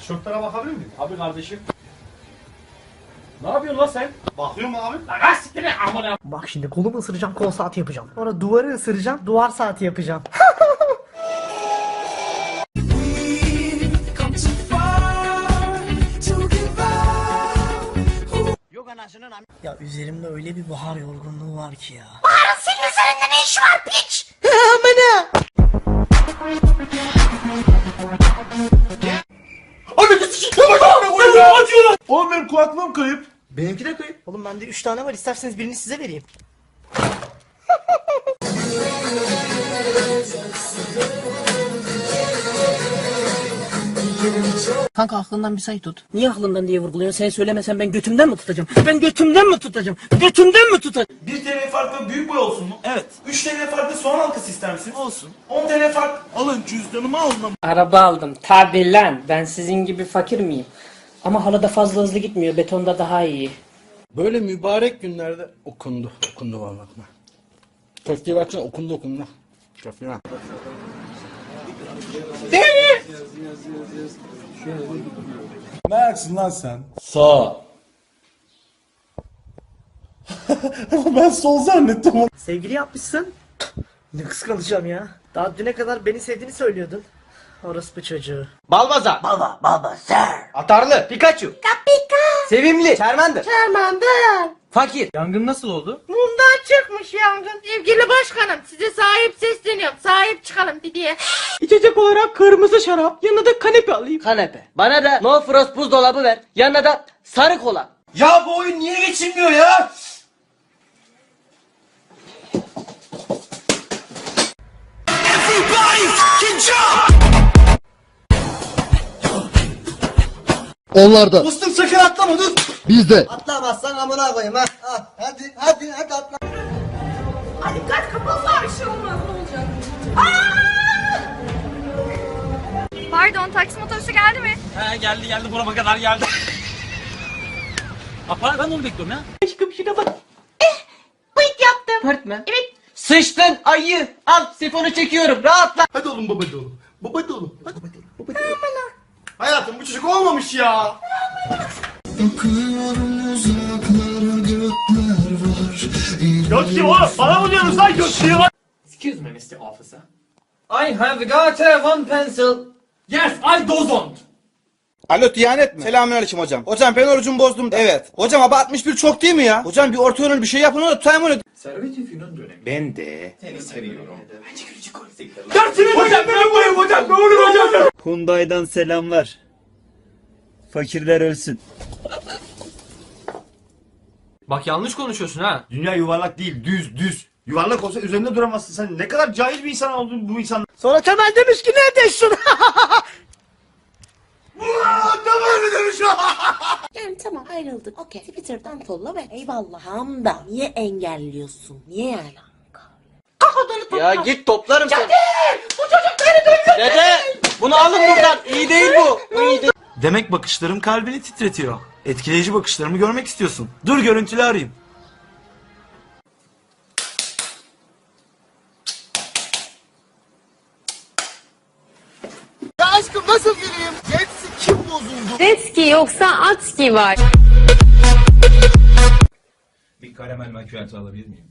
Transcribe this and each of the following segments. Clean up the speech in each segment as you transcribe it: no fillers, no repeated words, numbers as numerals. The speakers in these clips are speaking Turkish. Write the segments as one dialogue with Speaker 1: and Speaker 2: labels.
Speaker 1: Tişörtlere bakabilir miyim?
Speaker 2: Abi kardeşim. Ne yapıyorsun lan sen?
Speaker 1: Bakıyorum abi.
Speaker 2: Lan siktir amına.
Speaker 3: Bak şimdi kolumu ısıracağım, kol saati yapacağım. Sonra duvarı ısıracağım, duvar saati yapacağım. Ya üzerimde öyle bir bahar yorgunluğu var ki ya. Bahar'ın senin üzerinde ne iş var piç? Amına!
Speaker 1: Oğlum benim kulaklığım kayıp.
Speaker 3: Benimki de kayıp. Oğlum bende 3 tane var, isterseniz birini size vereyim. Kanka aklından bir sayı tut. Niye aklından diye vurguluyorsun? Sen söylemesen ben götümden mi tutacağım? Ben götümden mi tutacağım? Götümden mi tutacağım?
Speaker 1: 1 TL farklı büyük boy olsun mu? Evet. 3 TL farklı soğan halkası ister misiniz? Olsun. 10 TL fark. Alın cüzdanımı alın.
Speaker 4: Araba aldım. Tabi lan. Ben sizin gibi fakir miyim? Ama halada fazla hızlı gitmiyor. Betonda daha iyi.
Speaker 5: Böyle mübarek günlerde okundu vallahi. Köfteyi baksana okundu. Köfteyi bak.
Speaker 1: Ne ayaksın lan sen?
Speaker 2: Sağ.
Speaker 1: Ben sol zannettim onu.
Speaker 3: Sevgili yapmışsın. Ne kıskanacağım ya. Daha düne kadar beni sevdiğini söylüyordun. Orospu çocuğu.
Speaker 6: Balbaza. Balba, sir. Atarlı. Pikachu. Kapika. Sevimli. Charmander. Fakir. Yangın nasıl oldu?
Speaker 7: Mumdan çıkmış yangın. Sevgili başkanım size sahip sesleniyorum. Sahip çıkalım diye.
Speaker 6: İçecek olarak kırmızı şarap. Yanına da kanepe alayım. Kanepe. Bana da no frost buzdolabı ver. Yanına da sarı kola.
Speaker 1: Ya bu oyun niye geçilmiyor ya?
Speaker 5: Onlar da
Speaker 1: Dostum sakın atlama dur.
Speaker 5: biz de.
Speaker 6: Atlamazsan amına koyayım ha. Hadi atla.
Speaker 7: Hadi dikkat kapatma bir şey olmaz ne olacak? Pardon taksi otobüsü geldi mi?
Speaker 2: He geldi burama kadar geldi. Apa ben onu bekliyorum ya.
Speaker 6: Aşkım şuna bak.
Speaker 7: Bıyık yaptım.
Speaker 6: Pört mü?
Speaker 7: Evet.
Speaker 6: Sıçtın ayı. Al sifonu çekiyorum. Rahatla.
Speaker 1: Hadi oğlum babacı oğlum. Babacı oğlum. Hadi babacı oğlum. Hayatım bu çocuk olmamış ya. Göt kim oğlum? Bana mı diyorsunuz lan göt diye lan?
Speaker 2: Excuse me Mr. Officer.
Speaker 6: I have got one pencil.
Speaker 2: Yes I don't.
Speaker 8: Alo Diyanet mi? Selamünaleyküm hocam. Hocam ben orucumu bozdum. Evet. Hocam ama 61 çok değil mi ya? Hocam bir orta yönlü bir şey yapın onu tutayım onu.
Speaker 1: Hocam ben koyayım hocam. Ne olur hocam.
Speaker 9: Hyundai'dan selamlar. Fakirler ölsün.
Speaker 2: Bak yanlış konuşuyorsun ha.
Speaker 1: Dünya yuvarlak değil düz. Yuvarlak olsa üzerinde duramazsın. Sen ne kadar cahil bir insan oldun bu insan.
Speaker 3: Sonra Temel demiş ki nerede şunu?
Speaker 10: Yani tamam ayrıldık. Okey. Twitter'dan follow ve eyvallah da niye engelliyorsun? Niye yani?
Speaker 6: Ya git toplarım seni. Bu çocuk beni duyuyor. Dede bunu alın buradan. İyi değil bu. Bu iyi değil.
Speaker 1: Demek bakışlarım kalbini titretiyor. Etkileyici bakışlarımı görmek istiyorsun. Dur görüntülü arayayım.
Speaker 8: Ya aşkım nasıl gireyim? Jetsi kim bozuldu?
Speaker 7: Jetski yoksa atski var.
Speaker 9: Bir karamel macchiato alabilir miyim?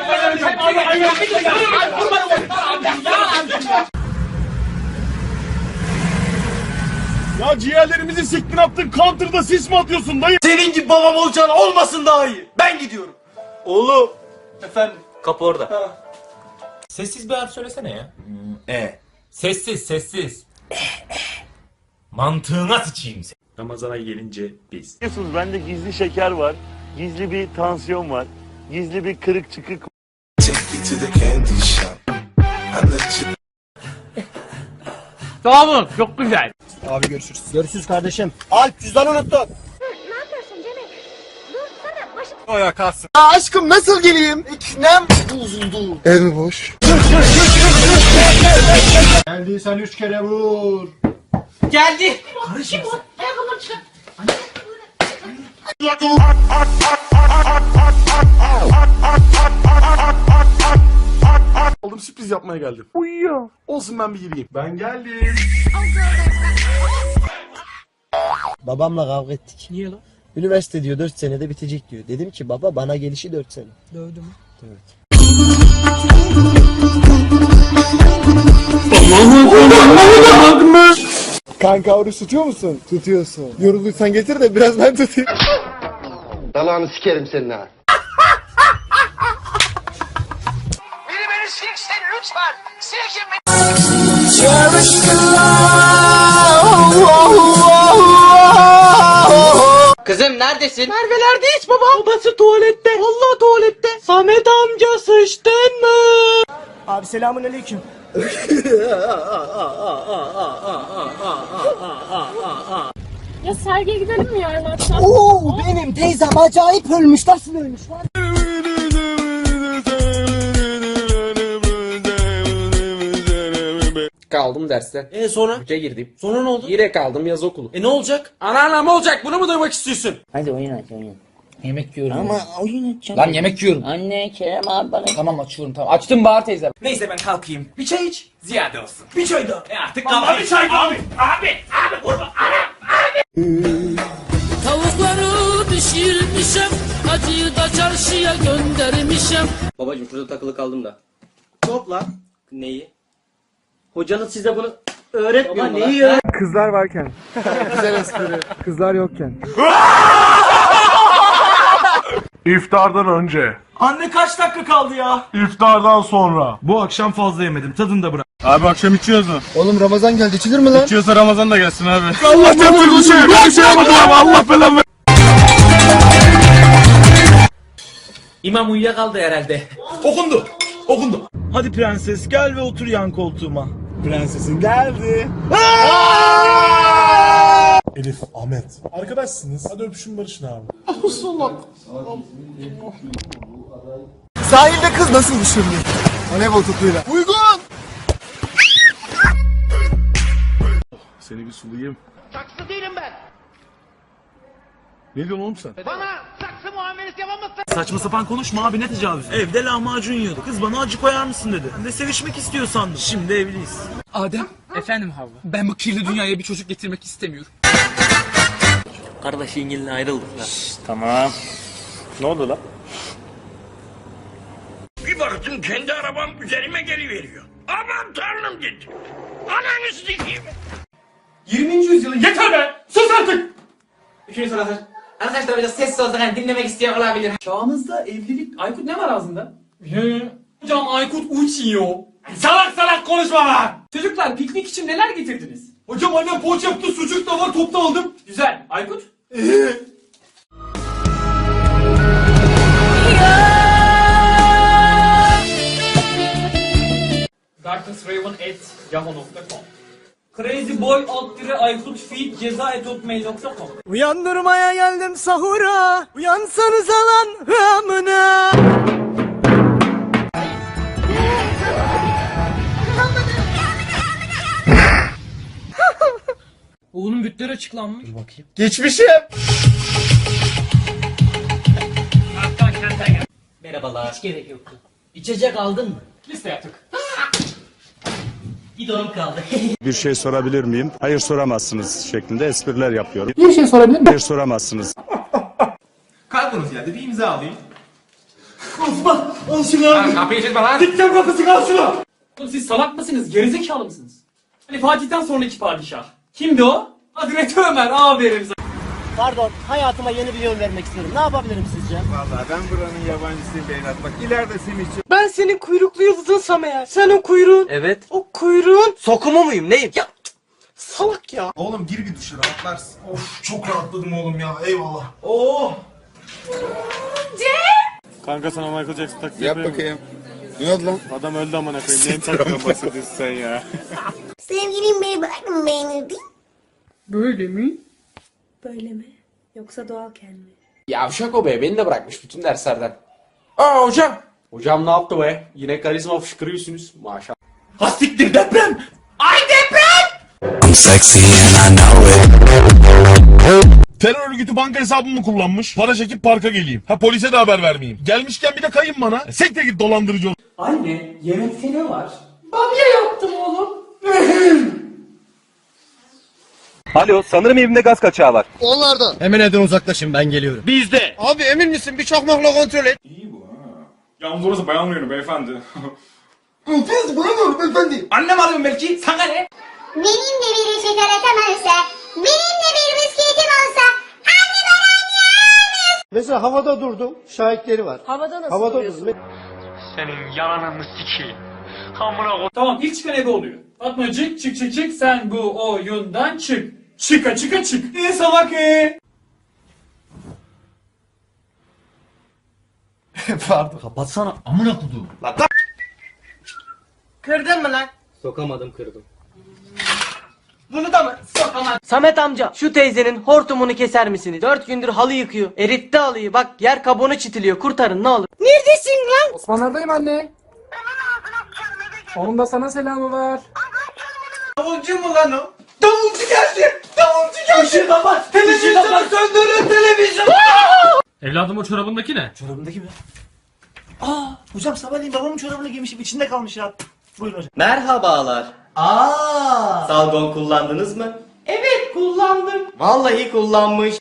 Speaker 1: Ya ciğerlerimizi siktin attın. Counter'da sis mi atıyorsun dayı? Senin gibi babam olacağın olmasın daha iyi. Ben gidiyorum. Oğlum. Efendim.
Speaker 2: Kapı orada. Sessiz bir harf söylesene ya. Sessiz. Mantığına sıçayım seni. Ramazan'a gelince biz.
Speaker 9: Biliyorsunuz bende gizli şeker var. Gizli bir tansiyon var. Gizli bir kırık çıkık.
Speaker 6: Tamam çok güzel.
Speaker 8: Abi görüşürüz. Görüşürüz kardeşim. Alp cüzdanı unuttun.
Speaker 7: Ne yapıyorsun Cemil? Dursana başım.
Speaker 8: O ya kalsın. Aa, aşkım nasıl geleyim? İknem bozuldu. Ev mi boş?
Speaker 1: Geldiysen 3 kere vur.
Speaker 6: Geldi.
Speaker 7: Ayakkabıları çıkar.
Speaker 1: Oğlum sürpriz yapmaya geldim. Uyuyor. Olsun ben bir gireyim. Ben geldim.
Speaker 6: Babamla kavga ettik.
Speaker 4: Niye lan?
Speaker 6: Üniversite diyor 4 senede bitecek diyor. Dedim ki baba bana gelişi 4 sene.
Speaker 4: Dövdü mü?
Speaker 6: Evet.
Speaker 5: Kanka oruç tutuyor musun? Tutuyorsun. Yorulduysan getir de biraz ben tutayım.
Speaker 8: Dalağını sikerim senin ha.
Speaker 6: Kızım neredesin?
Speaker 4: Merve'lerde hiç baba. Babası tuvalette. Vallahi tuvalette. Samet amca sıçtın mı?
Speaker 3: Abi selamun aleyküm.
Speaker 7: Ya sergiye gidelim mi yarın akşam?
Speaker 3: Oo benim teyzem acayip ölmüş. Nasıl ölmüş lan?
Speaker 6: Kaldım derste.
Speaker 2: Sonra?
Speaker 6: Hoca girdim.
Speaker 2: Sonra ne oldu?
Speaker 6: Yine kaldım yaz okulu.
Speaker 2: Ne olacak? Anneannem olacak. Bunu mu duymak istiyorsun?
Speaker 4: Hadi oyun aç oyun.
Speaker 6: Yemek yiyorum.
Speaker 4: Ama oyun açacağım.
Speaker 6: Lan yemek yiyorum.
Speaker 4: Anne Kerem abi bana.
Speaker 6: Tamam açıyorum tamam. Açtım Bahar teyze.
Speaker 2: Neyse ben kalkayım. Bir çay iç. Ziyade olsun. Bir çay daha. Artık kalkayım. Bir çay daha. Abi kurban.
Speaker 7: Tavukları pişirmişim, acıyı da çarşıya göndermişim.
Speaker 6: Babacım şurada takılı kaldım da.
Speaker 2: Topla.
Speaker 6: Neyi?
Speaker 2: Hocanız size bunu öğretmiyor mu?
Speaker 6: Neyi ya?
Speaker 5: Kızlar varken. Güzel espri. Kızlar yokken.
Speaker 1: İftardan önce.
Speaker 2: Anne kaç dakika kaldı ya?
Speaker 1: İftardan sonra.
Speaker 2: Bu akşam fazla yemedim. Tadını da bırak.
Speaker 1: Abi akşam içiyoruz mu?
Speaker 5: Oğlum Ramazan geldi içilir mi lan?
Speaker 1: İçiyorsa Ramazan da gelsin abi. Allah çarptır bu şey. Ben bir şey yapmadım abi. Allah belamı.
Speaker 2: İmam uyuyakaldı herhalde. Okundu. Hadi prenses gel ve otur yan koltuğuma.
Speaker 1: Prensesin geldi. Elif, Ahmet. Arkadaşsınız. Hadi öpüşün barışın abi.
Speaker 5: Sahilde kız nasıl düşürülür? Voleybol topuyla. Uygun.
Speaker 1: Seni bir sulayayım. Saksı değilim ben. Ne diyorsun oğlum sen?
Speaker 2: Saçma sapan konuşma abi, ne tecavüz? Evde lahmacun yiyordu. Kız bana acı koyar mısın dedi. Ben de sevişmek istiyor sandım. Şimdi evliyiz.
Speaker 11: Adem. Efendim Havva. Ben bu kirli dünyaya bir çocuk getirmek istemiyorum.
Speaker 6: Kardeş İngil'le ayrıldık lan.
Speaker 9: Tamam. Ne oldu lan?
Speaker 1: Bir baktım kendi arabam üzerime geri veriyor. Aman tanrım dedi. Ananı sikeyim.
Speaker 2: 20. yüzyılın yeter be! Sus artık!
Speaker 6: Üçüncü soru hazır. Arkadaşlar biraz sessiz olsak hani dinlemek isteyen olabilir.
Speaker 11: Çağımızda evlilik... Aykut ne var ağzında?
Speaker 2: Hocam Aykut uçuyor. Salak konuşma lan!
Speaker 11: Çocuklar piknik için neler getirdiniz?
Speaker 2: Hocam annem poğaça yaptı, sucuk da var, topta aldım.
Speaker 11: Güzel. Aykut?
Speaker 2: darknessraven@yahoo.com crazyboy_aykut_feed@hotmail.com
Speaker 3: Uyandırmaya geldim sahura. Uyansanız alan amına.
Speaker 11: Oğlum bütler açıklanmış.
Speaker 1: Geçmişim.
Speaker 6: Merhabalar.
Speaker 4: Hiç gerek yoktu. İçecek aldın mı?
Speaker 11: Liste yaptık.
Speaker 4: Bidonum kaldı.
Speaker 9: Bir şey sorabilir miyim? Hayır soramazsınız şeklinde espriler yapıyorum.
Speaker 11: Bir şey sorabilir miyim?
Speaker 9: Hayır soramazsınız.
Speaker 2: Kalkınız geldi, bir imza alayım.
Speaker 11: Kapıyı çekme lan.
Speaker 2: Dikten kapısı, kal şunu!
Speaker 11: Oğlum siz salak mısınız? Gerizekalı mısınız? Hani Fatih'ten sonraki padişah. Kimdi o? Hazreti Ömer. Aferin sana.
Speaker 3: Pardon, hayatıma yeni bir yön vermek istiyorum. Ne yapabilirim sizce?
Speaker 8: Vallahi ben buranın yabancısıyım Beynat. Bak ileride senin için.
Speaker 3: Ben senin kuyruklu yıldızınsam eğer. Sen o kuyruğun.
Speaker 6: Evet.
Speaker 3: O kuyruğun.
Speaker 6: Sokumu muyum neyim?
Speaker 3: Ya salak ya.
Speaker 1: Oğlum gir bir duşa rahatlarsın. Of çok rahatladım oğlum ya. Eyvallah.
Speaker 9: Kanka sana Michael Jackson taklidi
Speaker 5: Yap bakayım. Ne oldu lan?
Speaker 9: Adam öldü amına koyayım. Neyin taklidinden bahsediyorsun sen ya?
Speaker 10: Sevgilim beni bırakın beğenirdi.
Speaker 11: Böyle mi?
Speaker 7: Böyle mi? Yoksa doğalken mi?
Speaker 6: Yavşak o be, beni de bırakmış bütün derslerden. Aa hocam. Hocam ne yaptı be? Yine karizma fışkırıyorsunuz maşallah.
Speaker 2: Hastiktir deprem!
Speaker 1: Terör örgütü banka hesabımı kullanmış. Para çekip parka geleyim. Ha polise de haber vermeyeyim. Gelmişken bir de kayın bana. Sekte git dolandırıcı ol.
Speaker 11: Anne, yemekte ne var?
Speaker 8: Alo, sanırım evimde gaz kaçağı var.
Speaker 5: Onlardan.
Speaker 1: Hemen evden uzaklaşın, ben geliyorum. Bizde.
Speaker 5: Abi emin misin? Bir çakmakla kontrol et.
Speaker 11: Yalnız orası bayan oyunu beyefendi.
Speaker 2: Annem arıyorum belki. Sana ne?
Speaker 7: Benimle biri şeker atamazsa, benimle bir bisikletim olsa, anne bana
Speaker 5: Mesela havada durdum. Şahitleri var.
Speaker 10: Havada nasıl
Speaker 5: Havada
Speaker 10: duruyorsun?
Speaker 5: durdum.
Speaker 11: Tamam ilk çıkan ebe oluyor. Fatmacık çık çık çık sen bu oyundan çık. Çıka çıka çık. Salak
Speaker 1: Pardon. Kapatsana amına koduğum.
Speaker 6: Kırdın mı lan?
Speaker 2: Sokamadım, kırdım.
Speaker 6: Bunu da mı? Sokamam. Samet amca şu teyzenin hortumunu keser misiniz? 4 gündür halı yıkıyor. Eritti halıyı bak yer kabuğunu çitiliyor. Kurtarın ne olur.
Speaker 10: Neredesin lan?
Speaker 11: Osmanlardayım anne. Onun da sana selamı var.
Speaker 6: Davulcu mu lan o? Davulcu geldi. Davulcu geldi. Işığı kapat. Televizyonu söndürün televizyon.
Speaker 11: Evladım o çorabındaki ne?
Speaker 3: Çorabındaki mi? Aa, hocam sabahleyin babamın çorabını giymişim, içinde kalmış ya. Buyurun hocam.
Speaker 6: Merhabalar. Salgon kullandınız mı? Evet kullandım. Vallahi kullanmış.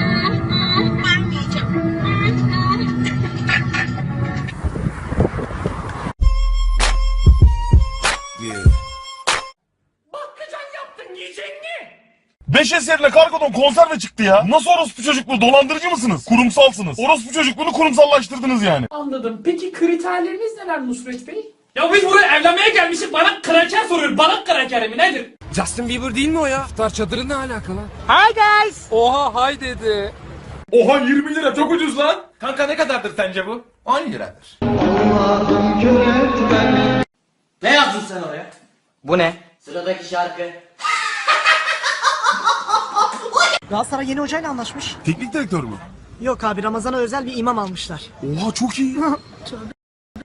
Speaker 1: Beş eserine kargodan konserve çıktı ya. Nasıl orospu çocukluğu? Dolandırıcı mısınız? Kurumsalsınız. Orospu çocukluğunu kurumsallaştırdınız yani.
Speaker 11: Anladım. Peki kriterleriniz neler Nusret Bey? Ya biz buraya evlenmeye gelmişiz. Bana kraker soruyor. Bana kraker mi nedir?
Speaker 2: Justin Bieber değil mi o ya? İftar çadırı ne alakalı?
Speaker 11: Hi guys. Oha hi dedi. Oha 20 lira çok ucuz lan.
Speaker 2: Kanka ne kadardır sence bu? 10 liradır.
Speaker 6: Ne yazdın sen oraya? Bu ne? Sıradaki şarkı.
Speaker 3: Galatasaray yeni hocayla anlaşmış.
Speaker 1: Teknik direktör mü?
Speaker 3: Yok abi, Ramazan'a özel bir imam almışlar.
Speaker 1: Oha çok iyi.